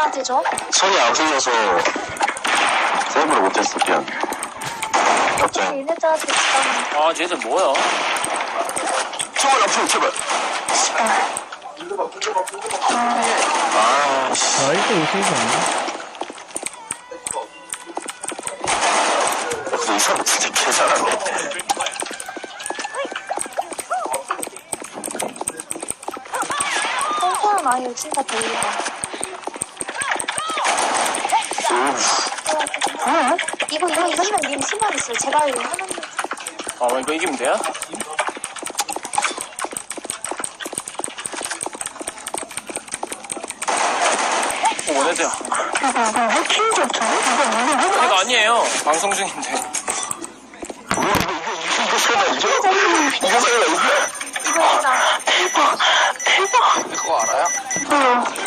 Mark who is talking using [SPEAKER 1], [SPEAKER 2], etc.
[SPEAKER 1] 누구한테 줘?
[SPEAKER 2] 손이 안 풀려서 세이브를 못했어. 미안. 갑자기.
[SPEAKER 1] 얘네들한테 주잖아.
[SPEAKER 3] 아, 쟤들 뭐야?
[SPEAKER 2] 총알 앞으로 제발. 아, 씨.
[SPEAKER 4] 1대5 세이브 아니야?
[SPEAKER 2] 근데 이 사람 진짜 개 잘하네.
[SPEAKER 1] 똥꼬는 아니고 진짜 별로다. 이거면 님 신경 있어요. 제가 이거 하는 거.
[SPEAKER 3] 아, 이거 이기면 돼요? 원해돼요. 이거 아니에요. 방송 중인데.
[SPEAKER 2] 이거 설마 이겨? 이거 설마 이겨?
[SPEAKER 1] 이거 진짜.
[SPEAKER 2] 대박. 그거 알아요?